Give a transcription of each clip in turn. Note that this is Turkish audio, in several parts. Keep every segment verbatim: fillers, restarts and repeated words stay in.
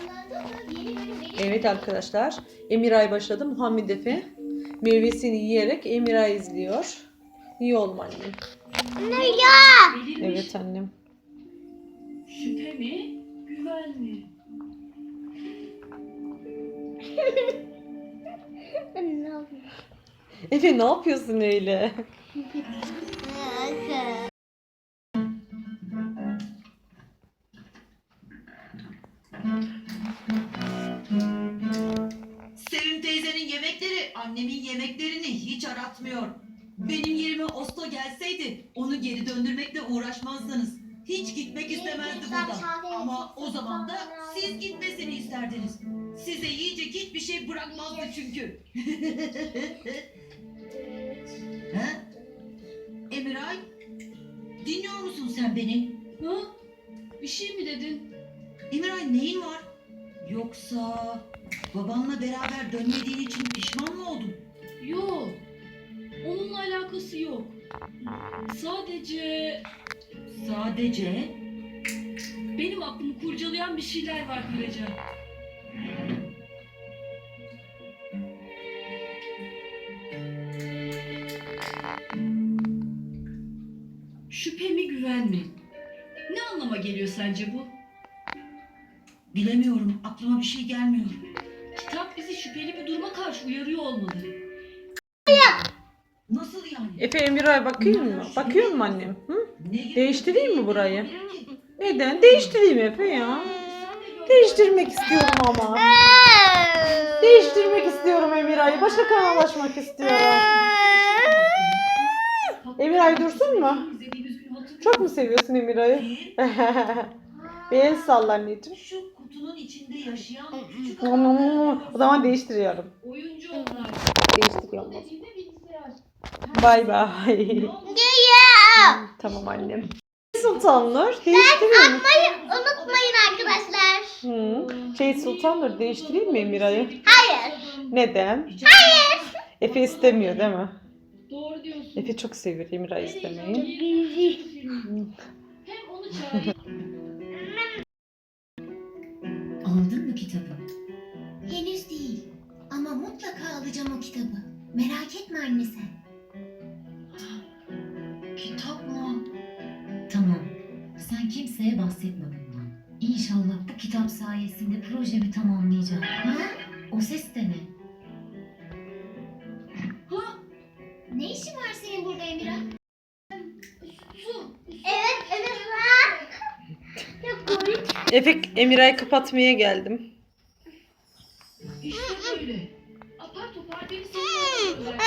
Evet arkadaşlar. Emiray başladı. Muhammed Efe meyvesini yiyerek Emiray izliyor. İyi olma annem. Ne ya? Evet annem. Şüphe mi? Güven mi? Efe ne yapıyorsun öyle? Sevim teyzenin yemekleri annemin yemeklerini hiç aratmıyor. Benim yerime Osto gelseydi onu geri döndürmekle uğraşmazdınız. Hiç gitmek istemezdi buradan. Ama o zaman da siz gitmesini isterdiniz. Size yiyecek hiçbir şey bırakmazdı çünkü. He? Emiray, dinliyor musun sen beni? Ha? Bir şey mi dedin? Emiray neyin var? Yoksa babanla beraber dönmediğin için pişman mı oldun? Yok. Onunla alakası yok. Sadece Sadece benim aklımı kurcalayan bir şeyler var Gülecan. Şüphe mi güven mi? Ne anlama geliyor sence bu? bilemiyorum, aklıma bir şey gelmiyor. Kitap bizi şüpheli bir duruma karşı uyarıyor olmalı. Nasıl yani? Efe Emiray bakıyor mu? Bakıyor mu annem? Hı? Ne gibi Değiştireyim mi bir burayı? şey olabilir ki? Neden? Değiştireyim Efe ya. Değiştirmek istiyorum ama. Değiştirmek istiyorum Emiray'ı. Başka kanalaşmak istiyorum. Emiray dursun mu? Çok mu seviyorsun Emiray'ı? Ki, Bir el salla anneciğim. şu kutunun içinde yaşayan küçük O zaman değiştiriyorum. Oyuncu onlar. Değiştiriyorum. Dediğinde bilgisayar. Bay bay. Tamam annem. Sultanlar değiştireyim mi? Unutmayın arkadaşlar. Hı. Şey Sultanlar değiştireyim mi Emiray'ı? Hayır. Neden? Hayır. Efe istemiyor değil mi? Doğru diyorsun. Efe çok seviyor Emiray istemeyi. Hem onu çağırayım. Aldın mı kitabı? Henüz değil. Ama mutlaka alacağım o kitabı. Merak etme anne sen. kitap mı? Tamam. Sen kimseye bahsetme bundan. İnşallah bu kitap sayesinde projemi tamamlayacağım. Ha? O ses de ne? Ha? Ne işin var senin burada Emira? Evet, evet lan. Çok komik. Efe Emiray'ı kapatmaya geldim. İşte böyle. Apar topar beni seviyorlar.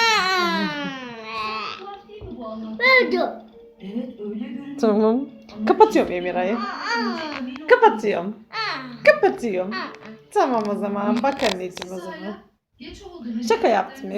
Tuhaf değil mi bu anlamda? Öldü. Evet öyle görünüyor. Tamam. Kapatıyorum Emiray'ı. Kapatıyorum. Kapatıyorum. Tamam o zaman. Bak anneciğim o zaman. Geç oldu. Şaka yaptım.